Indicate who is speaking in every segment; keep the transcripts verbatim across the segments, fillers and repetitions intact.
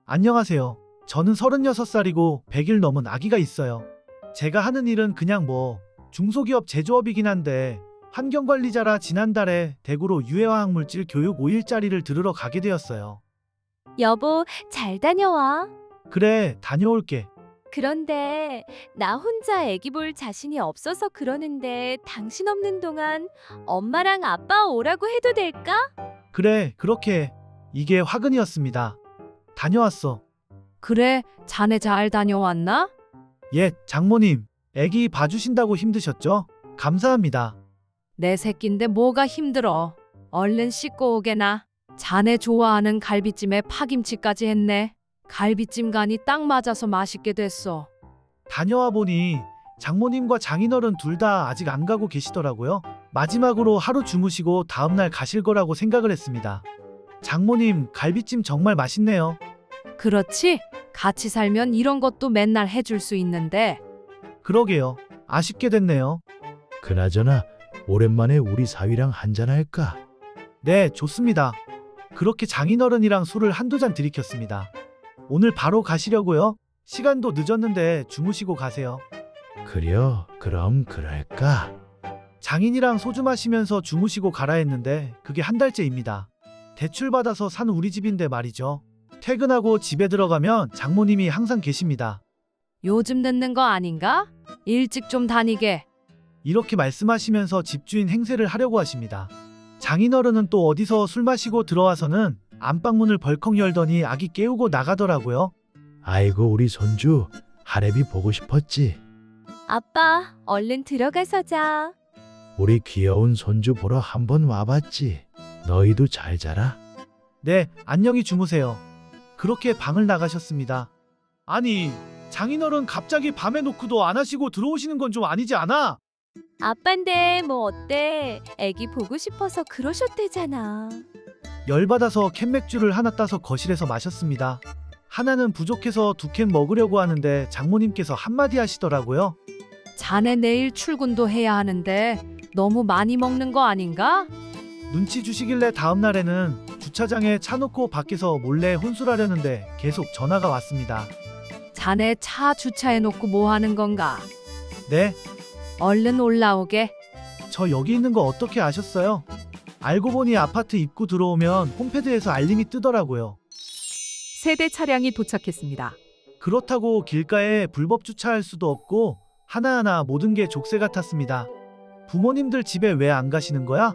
Speaker 1: 안녕하세요. 저는 서른여섯 살이고 백 일 넘은 아기가 있어요. 제가 하는 일은 그냥 뭐 중소기업 제조업이긴 한데 환경관리자라 지난달에 대구로 유해화학물질 교육 오 일짜리를 들으러 가게 되었어요.
Speaker 2: 여보, 잘 다녀와.
Speaker 1: 그래, 다녀올게.
Speaker 2: 그런데 나 혼자 애기 볼 자신이 없어서 그러는데 당신 없는 동안 엄마랑 아빠 오라고 해도 될까?
Speaker 1: 그래, 그렇게 해. 이게 화근이었습니다. 다녀왔어.
Speaker 3: 그래, 자네 잘 다녀왔나?
Speaker 1: 예, 장모님. 애기 봐주신다고 힘드셨죠? 감사합니다.
Speaker 3: 내 새끼인데 뭐가 힘들어. 얼른 씻고 오게나. 자네 좋아하는 갈비찜에 파김치까지 했네. 갈비찜 간이 딱 맞아서 맛있게 됐어.
Speaker 1: 다녀와 보니 장모님과 장인어른 둘 다 아직 안 가고 계시더라고요. 마지막으로 하루 주무시고 다음날 가실 거라고 생각을 했습니다. 장모님, 갈비찜 정말 맛있네요.
Speaker 3: 그렇지? 같이 살면 이런 것도 맨날 해줄 수 있는데.
Speaker 1: 그러게요. 아쉽게 됐네요.
Speaker 4: 그나저나 오랜만에 우리 사위랑 한잔할까?
Speaker 1: 네, 좋습니다. 그렇게 장인어른이랑 술을 한두 잔 들이켰습니다. 오늘 바로 가시려고요? 시간도 늦었는데 주무시고 가세요.
Speaker 4: 그려, 그럼 그럴까?
Speaker 1: 장인이랑 소주 마시면서 주무시고 가라 했는데 그게 한 달째입니다. 대출 받아서 산 우리 집인데 말이죠. 퇴근하고 집에 들어가면 장모님이 항상 계십니다.
Speaker 3: 요즘 늦는 거 아닌가? 일찍 좀 다니게.
Speaker 1: 이렇게 말씀하시면서 집주인 행세를 하려고 하십니다. 장인어른은 또 어디서 술 마시고 들어와서는 안방문을 벌컥 열더니 아기 깨우고 나가더라고요.
Speaker 4: 아이고 우리 손주 할애비 보고 싶었지.
Speaker 2: 아빠, 얼른 들어가서 자.
Speaker 4: 우리 귀여운 손주 보러 한번 와봤지. 너희도 잘 자라.
Speaker 1: 네, 안녕히 주무세요. 그렇게 방을 나가셨습니다. 아니, 장인어른 갑자기 밤에 노크도 안 하시고 들어오시는 건 좀 아니지 않아?
Speaker 2: 아빤데 뭐 어때? 애기 보고 싶어서 그러셨대잖아.
Speaker 1: 열받아서 캔맥주를 하나 따서 거실에서 마셨습니다. 하나는 부족해서 두 캔 먹으려고 하는데 장모님께서 한마디 하시더라고요.
Speaker 3: 자네 내일 출근도 해야 하는데 너무 많이 먹는 거 아닌가?
Speaker 1: 눈치 주시길래 다음날에는 주차장에 차 놓고 밖에서 몰래 혼술하려는데 계속 전화가 왔습니다.
Speaker 3: 자네 차 주차해놓고 뭐 하는 건가?
Speaker 1: 네,
Speaker 3: 얼른 올라오게.
Speaker 1: 저 여기 있는 거 어떻게 아셨어요? 알고 보니 아파트 입구 들어오면 홈패드에서 알림이 뜨더라고요.
Speaker 5: 세대 차량이 도착했습니다.
Speaker 1: 그렇다고 길가에 불법 주차할 수도 없고 하나하나 모든 게 족쇄 같았습니다. 부모님들 집에 왜 안 가시는 거야?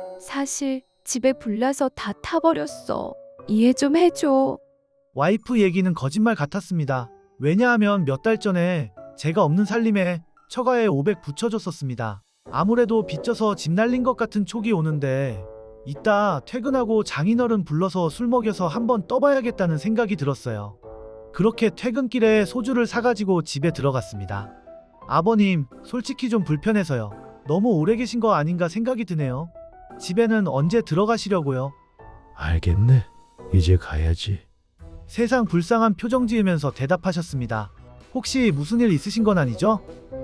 Speaker 2: 사실 집에 불나서 다 타버렸어. 이해 좀 해줘.
Speaker 1: 와이프 얘기는 거짓말 같았습니다. 왜냐하면 몇 달 전에 제가 없는 살림에 처가에 오백 붙여줬었습니다. 아무래도 빚져서 집 날린 것 같은 촉이 오는데 이따 퇴근하고 장인어른 불러서 술 먹여서 한번 떠봐야겠다는 생각이 들었어요. 그렇게 퇴근길에 소주를 사가지고 집에 들어갔습니다. 아버님, 솔직히 좀 불편해서요. 너무 오래 계신 거 아닌가 생각이 드네요. 집에는 언제 들어가시려고요?
Speaker 4: 알겠네. 이제 가야지.
Speaker 1: 세상 불쌍한 표정 지으면서 대답하셨습니다. 혹시 무슨 일 있으신 건 아니죠?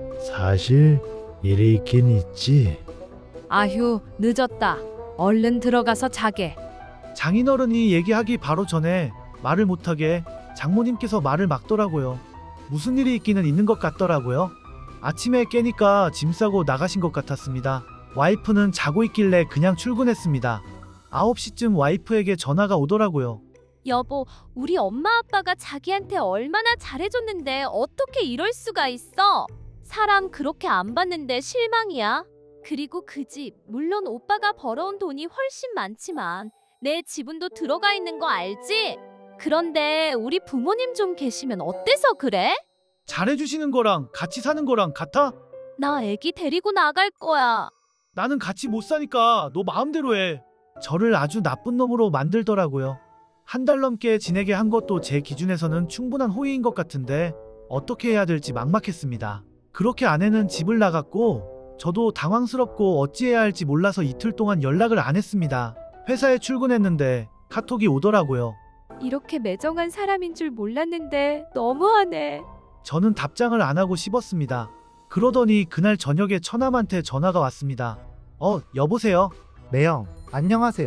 Speaker 4: 사실 일이 있긴 있지.
Speaker 3: 아휴, 늦었다. 얼른 들어가서 자게.
Speaker 1: 장인어른이 얘기하기 바로 전에 말을 못하게 장모님께서 말을 막더라고요. 무슨 일이 있기는 있는 것 같더라고요. 아침에 깨니까 짐 싸고 나가신 것 같았습니다. 와이프는 자고 있길래 그냥 출근했습니다. 아홉 시쯤 와이프에게 전화가 오더라고요.
Speaker 2: 여보, 우리 엄마 아빠가 자기한테 얼마나 잘해줬는데 어떻게 이럴 수가 있어? 사람 그렇게 안 봤는데 실망이야. 그리고 그 집, 물론 오빠가 벌어온 돈이 훨씬 많지만 내 지분도 들어가 있는 거 알지? 그런데 우리 부모님 좀 계시면 어때서 그래?
Speaker 1: 잘해주시는 거랑 같이 사는 거랑 같아?
Speaker 2: 나 애기 데리고 나갈 거야.
Speaker 1: 나는 같이 못 사니까 너 마음대로 해. 저를 아주 나쁜 놈으로 만들더라고요. 한 달 넘게 지내게 한 것도 제 기준에서는 충분한 호의인 것 같은데 어떻게 해야 될지 막막했습니다. 그렇게 아내는 집을 나갔고 저도 당황스럽고 어찌해야 할지 몰라서 이틀 동안 연락을 안 했습니다. 회사에 출근했는데 카톡이 오더라고요.
Speaker 2: 이렇게 매정한 사람인 줄 몰랐는데 너무하네.
Speaker 1: 저는 답장을 안 하고 씹었습니다. 그러더니 그날 저녁에 처남한테 전화가 왔습니다. 어, 여보세요?
Speaker 6: 매형, 안녕하세요.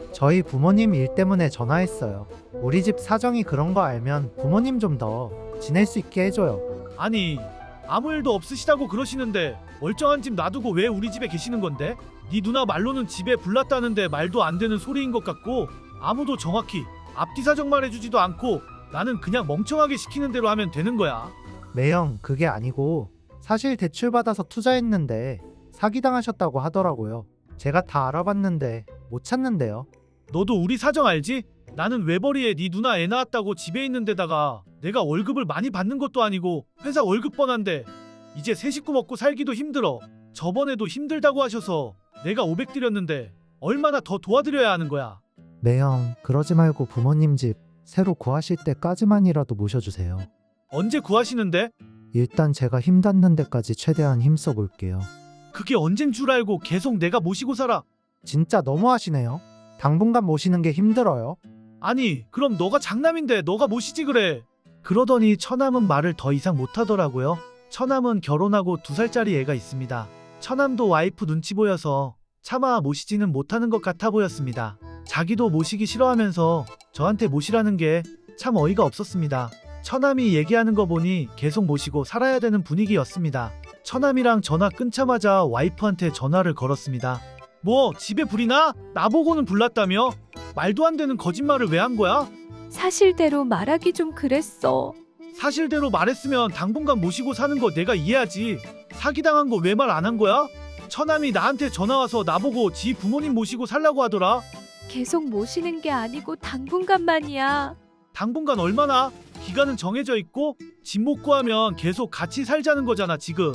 Speaker 6: 저희 부모님 일 때문에 전화했어요. 우리 집 사정이 그런 거 알면 부모님 좀 더 지낼 수 있게 해줘요.
Speaker 1: 아니, 아무 일도 없으시다고 그러시는데 멀쩡한 집 놔두고 왜 우리 집에 계시는 건데? 네 누나 말로는 집에 불났다는데 말도 안 되는 소리인 것 같고 아무도 정확히 앞뒤 사정 말해주지도 않고 나는 그냥 멍청하게 시키는 대로 하면 되는 거야.
Speaker 6: 매형, 그게 아니고 사실 대출 받아서 투자했는데 사기당하셨다고 하더라고요. 제가 다 알아봤는데 못 찾는데요.
Speaker 1: 너도 우리 사정 알지? 나는 외벌이에 네 누나 애 낳았다고 집에 있는 데다가 내가 월급을 많이 받는 것도 아니고 회사 월급 뻔한데 이제 세 식구 먹고 살기도 힘들어. 저번에도 힘들다고 하셔서 내가 오백 드렸는데 얼마나 더 도와드려야 하는 거야.
Speaker 6: 매형, 그러지 말고 부모님 집 새로 구하실 때까지만이라도 모셔주세요.
Speaker 1: 언제 구하시는데?
Speaker 6: 일단 제가 힘 닿는 데까지 최대한 힘써 볼게요.
Speaker 1: 그게 언젠 줄 알고 계속 내가 모시고 살아.
Speaker 6: 진짜 너무하시네요. 당분간 모시는 게 힘들어요.
Speaker 1: 아니, 그럼 너가 장남인데 너가 모시지 그래. 그러더니 처남은 말을 더 이상 못하더라고요. 처남은 결혼하고 두 살짜리 애가 있습니다. 처남도 와이프 눈치 보여서 차마 모시지는 못하는 것 같아 보였습니다. 자기도 모시기 싫어하면서 저한테 모시라는 게 참 어이가 없었습니다. 처남이 얘기하는 거 보니 계속 모시고 살아야 되는 분위기였습니다. 처남이랑 전화 끊자마자 와이프한테 전화를 걸었습니다. 뭐 집에 불이 나? 나보고는 불났다며? 말도 안 되는 거짓말을 왜 한 거야?
Speaker 2: 사실대로 말하기 좀 그랬어.
Speaker 1: 사실대로 말했으면 당분간 모시고 사는 거 내가 이해하지. 사기당한 거 왜 말 안 한 거야? 처남이 나한테 전화와서 나보고 지 부모님 모시고 살라고 하더라.
Speaker 2: 계속 모시는 게 아니고 당분간만이야.
Speaker 1: 당분간 얼마나? 기간은 정해져 있고 집 못 구하면 계속 같이 살자는 거잖아 지금.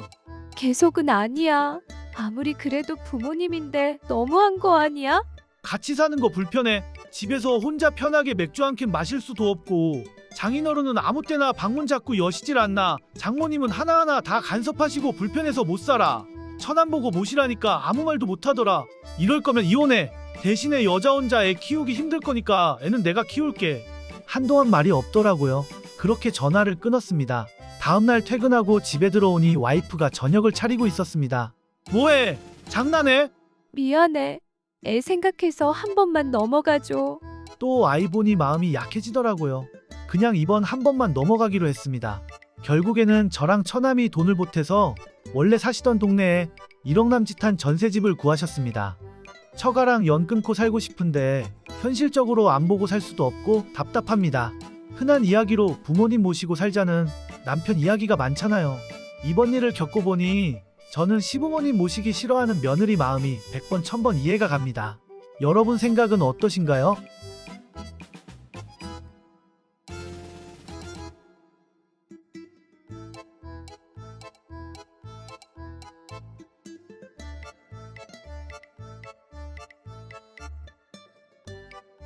Speaker 2: 계속은 아니야. 아무리 그래도 부모님인데 너무한 거 아니야?
Speaker 1: 같이 사는 거 불편해. 집에서 혼자 편하게 맥주 한 캔 마실 수도 없고 장인어른은 아무 때나 방문 잡고 여시질 않나. 장모님은 하나하나 다 간섭하시고 불편해서 못 살아. 처남 보고 모시라니까 아무 말도 못 하더라. 이럴 거면 이혼해. 대신에 여자 혼자 애 키우기 힘들 거니까 애는 내가 키울게. 한동안 말이 없더라고요. 그렇게 전화를 끊었습니다. 다음날 퇴근하고 집에 들어오니 와이프가 저녁을 차리고 있었습니다. 뭐해? 장난해?
Speaker 2: 미안해. 애 생각해서 한 번만 넘어가줘.
Speaker 1: 또 아이 보니 마음이 약해지더라고요. 그냥 이번 한 번만 넘어가기로 했습니다. 결국에는 저랑 처남이 돈을 보태서 원래 사시던 동네에 일억 남짓한 전세집을 구하셨습니다. 처가랑 연 끊고 살고 싶은데 현실적으로 안 보고 살 수도 없고 답답합니다. 흔한 이야기로 부모님 모시고 살자는 남편 이야기가 많잖아요. 이번 일을 겪어보니 저는 시부모님 모시기 싫어하는 며느리 마음이 백 번 천 번 이해가 갑니다. 여러분 생각은 어떠신가요?